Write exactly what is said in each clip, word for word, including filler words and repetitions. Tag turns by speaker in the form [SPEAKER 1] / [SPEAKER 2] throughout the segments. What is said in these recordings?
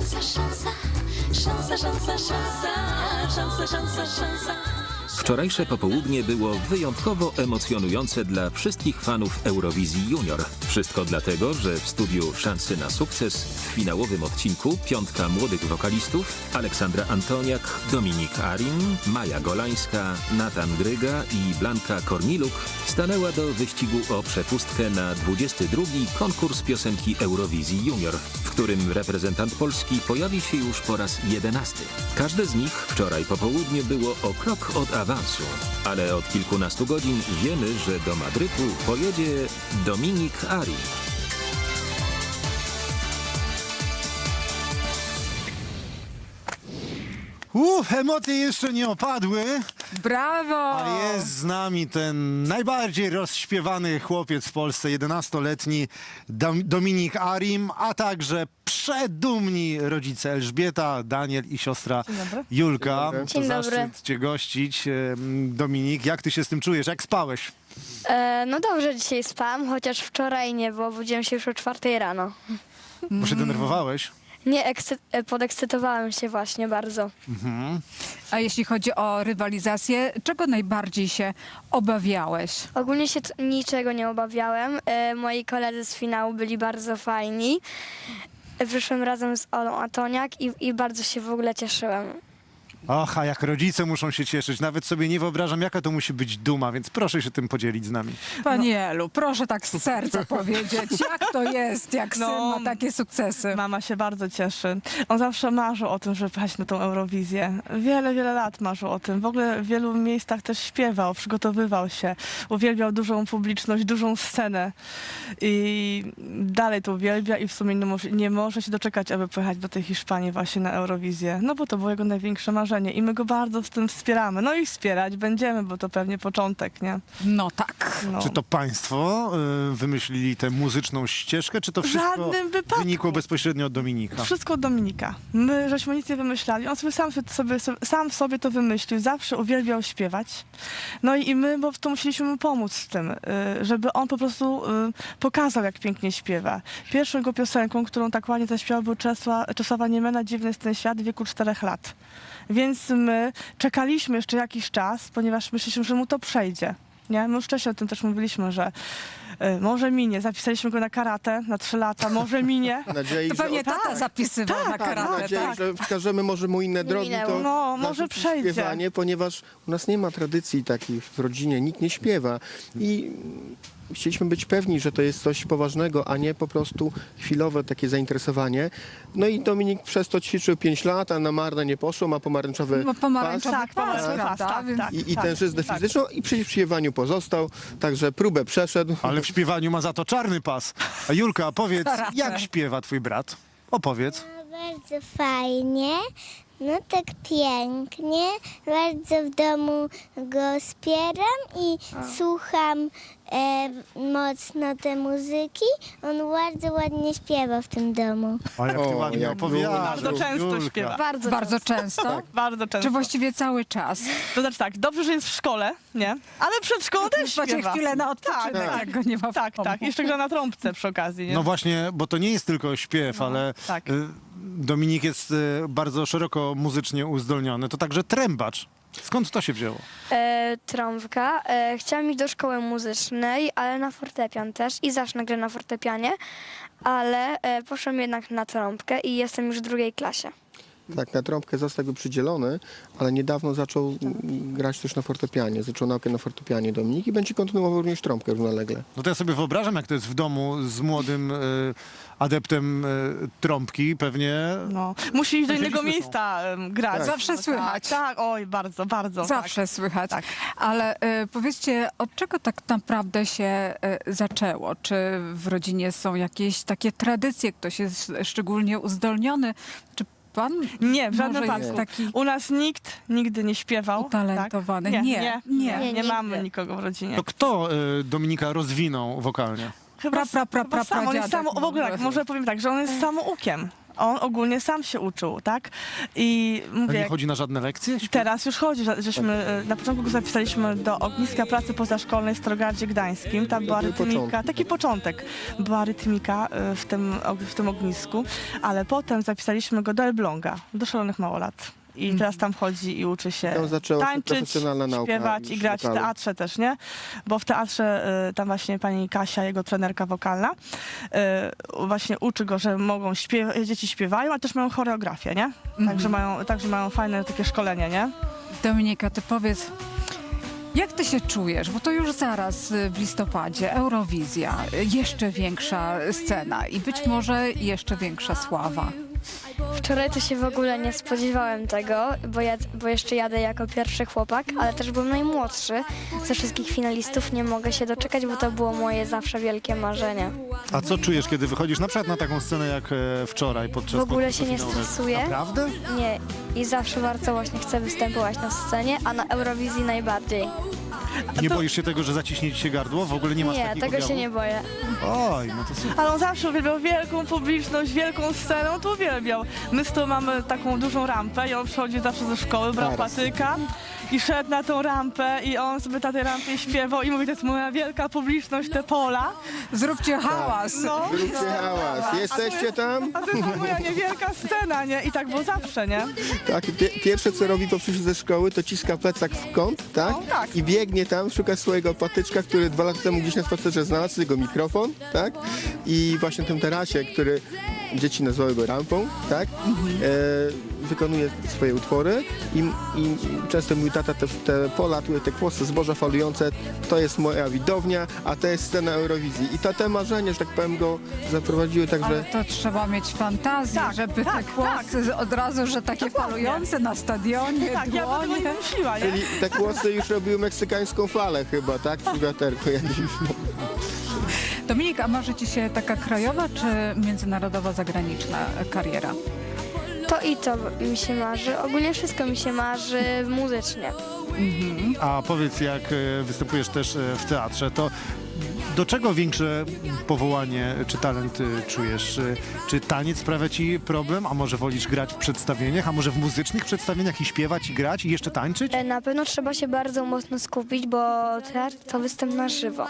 [SPEAKER 1] szansa, szansa, szansa, szansa, szansa, szansa, szansa, szansa.
[SPEAKER 2] Wczorajsze popołudnie było wyjątkowo emocjonujące dla wszystkich fanów Eurowizji Junior. Wszystko dlatego, że w studiu Szansy na sukces w finałowym odcinku piątka młodych wokalistów Aleksandra Antoniak, Dominik Arim, Maja Golańska, Natan Gryga i Blanka Korniluk stanęła do wyścigu o przepustkę na dwudziesty drugi konkurs piosenki Eurowizji Junior, w którym reprezentant Polski pojawi się już po raz jedenasty. Każde z nich wczoraj po południu było o krok od awansu, ale od kilkunastu godzin wiemy, że do Madrytu pojedzie Dominik Arim.
[SPEAKER 3] Uff, emocje jeszcze nie opadły,
[SPEAKER 4] Brawo!
[SPEAKER 3] ale jest z nami ten najbardziej rozśpiewany chłopiec w Polsce, jedenastoletni Dom- Dominik Arim, a także przedumni rodzice Elżbieta, Daniel i siostra Julka.
[SPEAKER 5] Dzień
[SPEAKER 3] To
[SPEAKER 5] dobry.
[SPEAKER 3] zaszczyt cię gościć. Em, Dominik, jak ty się z tym czujesz? Jak spałeś?
[SPEAKER 5] E, no dobrze dzisiaj spałam, chociaż wczoraj nie, bo budziłem się już o czwartej rano.
[SPEAKER 3] Bo się denerwowałeś?
[SPEAKER 5] Nie, ekscy- e, podekscytowałem się właśnie bardzo.
[SPEAKER 4] A jeśli chodzi o rywalizację, czego najbardziej się obawiałeś?
[SPEAKER 5] Ogólnie się t- niczego nie obawiałem. E, moi koledzy z finału byli bardzo fajni. E, Wyszłem razem z Olą Antoniak i, i bardzo się w ogóle cieszyłem.
[SPEAKER 3] Och, a jak rodzice muszą się cieszyć. Nawet sobie nie wyobrażam, jaka to musi być duma, więc proszę się tym podzielić z nami.
[SPEAKER 4] Panie Elu, proszę tak z serca powiedzieć, jak to jest, jak
[SPEAKER 6] No,
[SPEAKER 4] syn ma takie sukcesy.
[SPEAKER 6] Mama się bardzo cieszy. On zawsze marzył o tym, żeby pojechać na tą Eurowizję. Wiele, wiele lat marzył o tym. W ogóle w wielu miejscach też śpiewał, przygotowywał się. Uwielbiał dużą publiczność, dużą scenę. I dalej to uwielbia i w sumie nie może, nie może się doczekać, aby pojechać do tej Hiszpanii właśnie na Eurowizję. No bo to było jego największe marzenie i my go bardzo w tym wspieramy. No i wspierać będziemy, bo to pewnie początek, nie?
[SPEAKER 4] No tak.
[SPEAKER 6] No.
[SPEAKER 3] Czy to państwo y, wymyślili tę muzyczną ścieżkę, czy to
[SPEAKER 6] W
[SPEAKER 3] wszystko
[SPEAKER 6] żadnym wypadku.
[SPEAKER 3] wynikło bezpośrednio od Dominika?
[SPEAKER 6] Wszystko od Dominika. My żeśmy nic nie wymyślali. On sobie sam sobie, sam sobie to wymyślił. Zawsze uwielbiał śpiewać. No i, i my bo to musieliśmy mu pomóc w tym, y, żeby on po prostu y, pokazał, jak pięknie śpiewa. Pierwszą jego piosenką, którą tak ładnie zaśpiewał, był Czesła, Czesława Niemena "Dziwny jest ten świat" w wieku czterech lat. Więc my czekaliśmy jeszcze jakiś czas, ponieważ myśleliśmy, że mu to przejdzie. Nie? My już wcześniej o tym też mówiliśmy, że y, może minie. Zapisaliśmy go na karate na trzy lata, może minie.
[SPEAKER 7] Nadziei,
[SPEAKER 4] To
[SPEAKER 7] że
[SPEAKER 4] pewnie
[SPEAKER 7] od-
[SPEAKER 4] tata zapisywał na
[SPEAKER 7] tak,
[SPEAKER 4] karate,
[SPEAKER 7] nadziei,
[SPEAKER 4] tak?
[SPEAKER 7] że wskażemy może mu inne drogi,
[SPEAKER 5] minęło.
[SPEAKER 7] to
[SPEAKER 6] No, może
[SPEAKER 7] zarzuci
[SPEAKER 6] przejdzie.
[SPEAKER 7] śpiewanie, ponieważ u nas nie ma tradycji takiej w rodzinie, nikt nie śpiewa i chcieliśmy być pewni, że to jest coś poważnego, a nie po prostu chwilowe takie zainteresowanie. No i Dominik przez to ćwiczył pięć lat, a na marne nie poszło, ma pomarańczowy
[SPEAKER 4] No, pomarańczowy
[SPEAKER 6] Tak,
[SPEAKER 4] pas,
[SPEAKER 6] pomarańczowy pas,
[SPEAKER 4] prawda?
[SPEAKER 6] tak,
[SPEAKER 4] Więc-
[SPEAKER 6] tak.
[SPEAKER 7] i, i tężyznę fizyczną i przy śpiewaniu pozostał, także próbę przeszedł.
[SPEAKER 3] Ale w śpiewaniu ma za to czarny pas. A Julka, powiedz,
[SPEAKER 4] Karate.
[SPEAKER 3] jak śpiewa twój brat? Opowiedz.
[SPEAKER 8] No, bardzo fajnie, no tak pięknie. Bardzo w domu go wspieram i słucham e, mocno te muzyki. On bardzo ładnie śpiewa w tym domu.
[SPEAKER 3] O, jak ty
[SPEAKER 7] O,
[SPEAKER 3] ładnie
[SPEAKER 7] jak
[SPEAKER 3] opowiadasz.
[SPEAKER 6] Bardzo często
[SPEAKER 3] Julka.
[SPEAKER 6] śpiewa.
[SPEAKER 5] Bardzo,
[SPEAKER 4] Bardzo często?
[SPEAKER 6] Bardzo często.
[SPEAKER 4] Czy właściwie cały czas?
[SPEAKER 6] To znaczy tak, dobrze, że jest w szkole, nie? Ale przed szkołą też
[SPEAKER 4] Macie
[SPEAKER 6] śpiewa.
[SPEAKER 4] chwilę na odpoczynek,
[SPEAKER 6] Tak,
[SPEAKER 4] jak go nie ma w
[SPEAKER 6] Tak,
[SPEAKER 4] domu.
[SPEAKER 6] tak. Jeszcze gra na trąbce przy okazji, nie?
[SPEAKER 3] No właśnie, bo to nie jest tylko śpiew, ale
[SPEAKER 6] tak.
[SPEAKER 3] y, Dominik jest y, bardzo szeroko muzycznie uzdolniony. To także trębacz. Skąd to się wzięło?
[SPEAKER 5] E, trąbka. E, chciałam iść do szkoły muzycznej, ale na fortepian też i zacznę grę na fortepianie, ale e, poszłam jednak na trąbkę i jestem już w drugiej klasie.
[SPEAKER 7] Tak, na trąbkę został go przydzielony, ale niedawno zaczął mm, grać też na fortepianie, zaczął naukę na fortepianie Dominik i będzie kontynuował również trąbkę równolegle.
[SPEAKER 3] No to ja sobie wyobrażam, jak to jest w domu z młodym y, adeptem y, trąbki. Pewnie
[SPEAKER 6] No. Musi iść do
[SPEAKER 3] Sąsiedzi
[SPEAKER 6] innego
[SPEAKER 3] słyszą.
[SPEAKER 6] miejsca em, grać.
[SPEAKER 7] Tak.
[SPEAKER 4] Zawsze
[SPEAKER 6] No,
[SPEAKER 4] słychać.
[SPEAKER 6] Tak, tak, oj, bardzo, bardzo.
[SPEAKER 4] Zawsze słychać.
[SPEAKER 6] Tak.
[SPEAKER 4] Ale y, powiedzcie, od czego tak naprawdę się y, zaczęło? Czy w rodzinie są jakieś takie tradycje? Ktoś jest szczególnie uzdolniony? Czy pan
[SPEAKER 6] Nie, w żadnym
[SPEAKER 4] może jest
[SPEAKER 6] wypadku.
[SPEAKER 4] taki
[SPEAKER 6] U nas nikt nigdy nie śpiewał.
[SPEAKER 4] utalentowany?
[SPEAKER 6] Tak?
[SPEAKER 4] Nie,
[SPEAKER 6] nie,
[SPEAKER 4] nie.
[SPEAKER 6] nie, nie,
[SPEAKER 5] Nie,
[SPEAKER 6] mamy
[SPEAKER 5] nigdy.
[SPEAKER 6] nikogo w rodzinie.
[SPEAKER 3] to kto y, Dominika rozwinął wokalnie?
[SPEAKER 6] Chyba,
[SPEAKER 4] pra, pra, pra,
[SPEAKER 6] chyba sam. On jest
[SPEAKER 4] pradziadek
[SPEAKER 6] samo, w ogóle tak,
[SPEAKER 4] może.
[SPEAKER 6] może powiem tak, że on jest samoukiem. On ogólnie sam się uczył, tak? I
[SPEAKER 3] A
[SPEAKER 6] mówię,
[SPEAKER 3] nie chodzi na żadne lekcje?
[SPEAKER 6] teraz już chodzi, że- żeśmy e, na początku go zapisaliśmy do ogniska pracy pozaszkolnej w Starogardzie Gdańskim. Tam była
[SPEAKER 7] był
[SPEAKER 6] rytmika,
[SPEAKER 7] początek.
[SPEAKER 6] taki początek. Była rytmika e, w tym, og- w tym ognisku, ale potem zapisaliśmy go do Elbląga, do Szalonych Małolat. I teraz tam chodzi i uczy się
[SPEAKER 7] Tam zaczęła się
[SPEAKER 6] tańczyć,
[SPEAKER 7] profesjonalna nauka
[SPEAKER 6] śpiewać i
[SPEAKER 7] już
[SPEAKER 6] grać w
[SPEAKER 7] wokalu.
[SPEAKER 6] teatrze też, nie? Bo w teatrze y, tam właśnie pani Kasia, jego trenerka wokalna, y, właśnie uczy go, że mogą śpiewać, dzieci śpiewają, a też mają choreografię, nie? Także, mają, także mają fajne takie szkolenie, nie?
[SPEAKER 4] Dominika, ty powiedz, jak ty się czujesz? Bo to już zaraz y, w listopadzie, Eurowizja, y, jeszcze większa scena i być może jeszcze większa sława.
[SPEAKER 5] Wczoraj to się w ogóle nie spodziewałem tego, bo, ja, bo jeszcze jadę jako pierwszy chłopak, ale też byłem najmłodszy ze wszystkich finalistów. Nie mogę się doczekać, bo to było moje zawsze wielkie marzenie.
[SPEAKER 3] A co czujesz, kiedy wychodzisz na przykład na taką scenę jak e, wczoraj podczas
[SPEAKER 5] W ogóle
[SPEAKER 3] konkursu
[SPEAKER 5] się nie
[SPEAKER 3] finałowego?
[SPEAKER 5] stresuję.
[SPEAKER 3] Naprawdę?
[SPEAKER 5] Nie, i zawsze bardzo właśnie chcę występować na scenie, a na Eurowizji najbardziej.
[SPEAKER 3] Nie boisz się tego, że zaciśnie ci się gardło? W ogóle nie masz
[SPEAKER 5] Nie,
[SPEAKER 3] takich
[SPEAKER 5] tego się
[SPEAKER 3] objawów?
[SPEAKER 5] nie boję.
[SPEAKER 3] Oj, no to super.
[SPEAKER 6] Ale on zawsze uwielbiał wielką publiczność, wielką scenę, on to uwielbiał. My z tu mamy taką dużą rampę i on przychodzi zawsze ze szkoły, brał
[SPEAKER 7] Teraz.
[SPEAKER 6] patyka i szedł na tą rampę i on sobie na tej rampie śpiewał i mówi, to jest moja wielka publiczność, te pola.
[SPEAKER 4] Zróbcie hałas.
[SPEAKER 6] No,
[SPEAKER 7] Zróbcie hałas. Jesteście tam?
[SPEAKER 6] a to jest moja niewielka scena, nie? I tak było zawsze, nie?
[SPEAKER 7] Tak, pie- pierwsze co robi po przyjściu ze szkoły, to ciska plecak w kąt, tak?
[SPEAKER 6] No, tak.
[SPEAKER 7] I biegnie tam, szuka swojego patyczka, który dwa lata temu gdzieś na spacerze znalazł, jego mikrofon, tak? I właśnie tym terasie, który dzieci nazwały go rampą, tak? E, wykonuje swoje utwory i, i często mówi tata, te, te pola, tu te kłosy zboża falujące, to jest moja widownia, a to jest scena Eurowizji. I to te marzenie, że tak powiem, go zaprowadziły,
[SPEAKER 4] Ale
[SPEAKER 7] także...
[SPEAKER 4] to trzeba mieć fantazję,
[SPEAKER 6] Tak,
[SPEAKER 4] żeby
[SPEAKER 6] tak,
[SPEAKER 4] te kłosy od razu, że takie
[SPEAKER 6] Dokładnie.
[SPEAKER 4] falujące na stadionie,
[SPEAKER 6] Tak, ja bym tego nie
[SPEAKER 4] dłonie.
[SPEAKER 6] myśliła, nie?
[SPEAKER 7] Czyli te kłosy już robiły meksykańską falę chyba, tak? Przy wiaterku jakimś.
[SPEAKER 4] Dominik, a marzy ci się taka krajowa czy międzynarodowa, zagraniczna kariera?
[SPEAKER 5] To i to mi się marzy. Ogólnie wszystko mi się marzy muzycznie.
[SPEAKER 3] A powiedz, jak e, występujesz też e, w teatrze, to do czego większe powołanie czy talent e, czujesz? E, Czy taniec sprawia ci problem, a może wolisz grać w przedstawieniach, a może w muzycznych przedstawieniach i śpiewać i grać i jeszcze tańczyć?
[SPEAKER 5] E, Na pewno trzeba się bardzo mocno skupić, bo teatr to występ na żywo.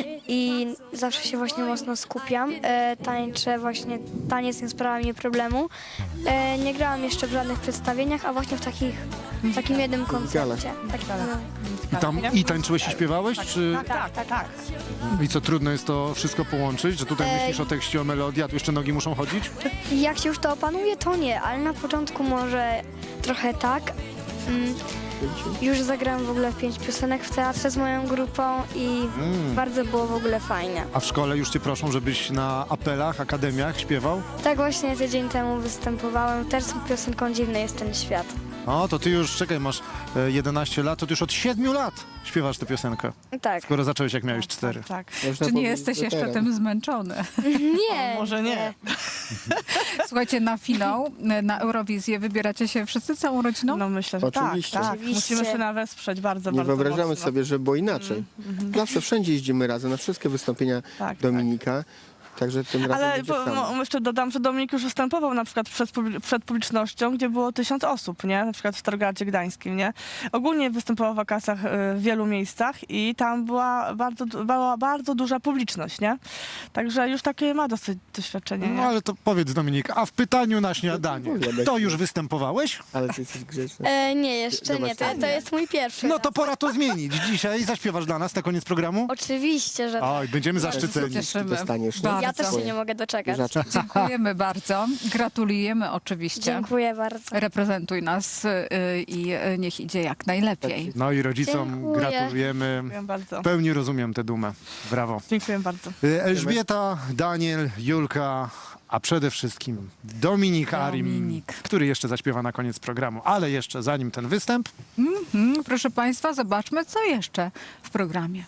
[SPEAKER 5] I zawsze się właśnie mocno skupiam. E, tańczę właśnie, taniec nie sprawia mi problemu. E, nie grałam jeszcze w żadnych przedstawieniach, a właśnie w takich, w takim jednym koncercie. Tak, no.
[SPEAKER 3] I tam i tańczyłeś i śpiewałeś? Czy...
[SPEAKER 6] Tak, tak, tak.
[SPEAKER 3] I co, trudno jest to wszystko połączyć? Że tutaj
[SPEAKER 5] Ej.
[SPEAKER 3] myślisz o tekście, o melodii, a tu jeszcze nogi muszą chodzić?
[SPEAKER 5] I jak się już to opanuje, to nie, ale na początku może trochę tak. Mm, już zagrałam w ogóle pięć piosenek w teatrze z moją grupą i bardzo było w ogóle fajnie.
[SPEAKER 3] A w szkole już cię proszą, żebyś na apelach, akademiach śpiewał?
[SPEAKER 5] Tak właśnie tydzień temu występowałem też z piosenką Dziwny jest ten świat.
[SPEAKER 3] O, to ty już, czekaj, masz e, jedenaście lat, to ty już od siedmiu lat śpiewasz tę piosenkę.
[SPEAKER 5] Tak.
[SPEAKER 3] Skoro zacząłeś, jak miałeś cztery.
[SPEAKER 6] Tak.
[SPEAKER 7] Można
[SPEAKER 4] Czy nie
[SPEAKER 7] powiedzieć,
[SPEAKER 4] jesteś
[SPEAKER 7] że
[SPEAKER 4] jeszcze
[SPEAKER 7] teraz.
[SPEAKER 4] tym zmęczony?
[SPEAKER 5] Nie.
[SPEAKER 6] Może nie.
[SPEAKER 4] Słuchajcie, na finał, na Eurowizję wybieracie się wszyscy całą rodziną?
[SPEAKER 6] No myślę, że
[SPEAKER 7] Oczywiście.
[SPEAKER 6] tak, tak.
[SPEAKER 5] Oczywiście.
[SPEAKER 6] Musimy syna wesprzeć bardzo,
[SPEAKER 7] Nie
[SPEAKER 6] bardzo
[SPEAKER 7] wyobrażamy
[SPEAKER 6] mocno.
[SPEAKER 7] sobie, że było inaczej. Zawsze wszędzie jeździmy razem, na wszystkie wystąpienia
[SPEAKER 6] Tak,
[SPEAKER 7] Dominika. Także tym razem
[SPEAKER 6] Ale
[SPEAKER 7] będzie
[SPEAKER 6] po,
[SPEAKER 7] samo.
[SPEAKER 6] no, jeszcze dodam, że Dominik już występował na przykład przed, publi- przed publicznością, gdzie było tysiąc osób, nie? Na przykład w Starogardzie Gdańskim, nie? Ogólnie występował w wakacjach y, w wielu miejscach i tam była bardzo, du- była bardzo duża publiczność, nie? Także już takie ma dosyć doświadczenie,
[SPEAKER 3] No
[SPEAKER 6] nie?
[SPEAKER 3] ale to powiedz, Dominik, a w pytaniu na śniadanie,
[SPEAKER 7] Opowiadaj.
[SPEAKER 3] to już występowałeś?
[SPEAKER 7] Ale ty jesteś grzeczny.
[SPEAKER 5] E, nie, jeszcze nie. To,
[SPEAKER 7] Zobacz,
[SPEAKER 5] to jest mój pierwszy.
[SPEAKER 3] No
[SPEAKER 5] raz.
[SPEAKER 3] to pora to zmienić. Dzisiaj zaśpiewasz dla nas na koniec programu?
[SPEAKER 5] Oczywiście, że tak.
[SPEAKER 3] Oj, będziemy zaszczyceni.
[SPEAKER 4] Cieszymy.
[SPEAKER 7] Dostaniesz, nie?
[SPEAKER 4] Bardzo.
[SPEAKER 5] Ja też się nie mogę doczekać.
[SPEAKER 7] Rzeczy.
[SPEAKER 4] Dziękujemy bardzo. Gratulujemy oczywiście.
[SPEAKER 5] Dziękuję bardzo.
[SPEAKER 4] Reprezentuj nas y, i y, niech idzie jak najlepiej.
[SPEAKER 3] No i rodzicom
[SPEAKER 5] Dziękuję.
[SPEAKER 3] gratulujemy.
[SPEAKER 6] Dziękuję bardzo.
[SPEAKER 3] W pełni rozumiem tę dumę. Brawo.
[SPEAKER 6] Dziękuję bardzo.
[SPEAKER 3] Y, Elżbieta, Daniel, Julka, a przede wszystkim Dominik Arim,
[SPEAKER 4] Dominik.
[SPEAKER 3] który jeszcze zaśpiewa na koniec programu. Ale jeszcze zanim ten występ,
[SPEAKER 4] Mhm, proszę Państwa, zobaczmy, co jeszcze w programie.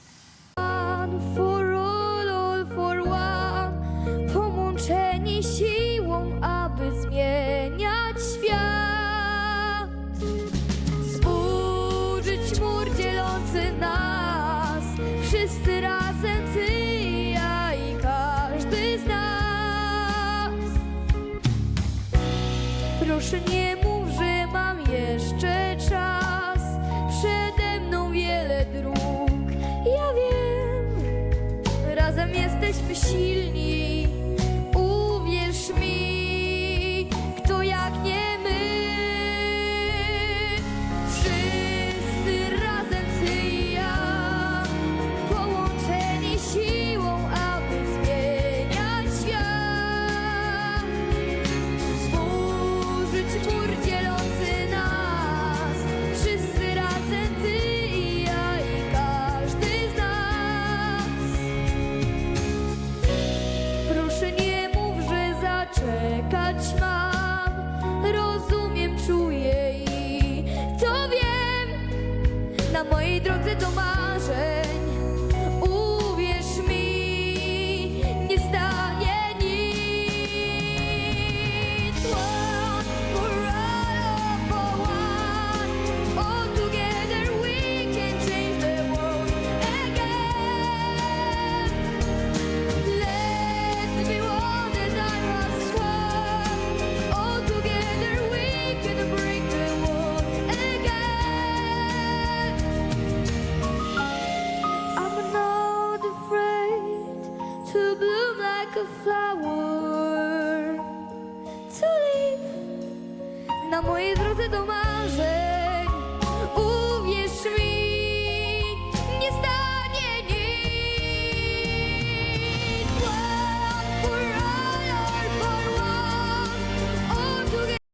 [SPEAKER 9] For all, all for one, połączeni siłą, aby zmieniać świat. Zburzyć mur dzielący nas, wszyscy razem, ty, ja i każdy z nas. Proszę nie mów, że mam jeszcze czas. Przede mną wiele dróg. Ja wiem, razem jesteśmy silni. Uwierz mi, kto jak nie my. Wszyscy razem, ty i ja, połączeni siłą, aby zmieniać świat. Stworzyć mur dzielący nas. Wszyscy razem, ty i ja, i każdy z nas. Proszę nie mów, że zaczekać mam. Rozumiem, czuję i to wiem. Na mojej drodze do marzeń, uwierz mi, nie stanie nic. One for all, for one. All together we can change the world again. Let's be one as I was one. All together we can break the world again. I'm not afraid to bloom like a flower, to live na mojej drodze do marzeń.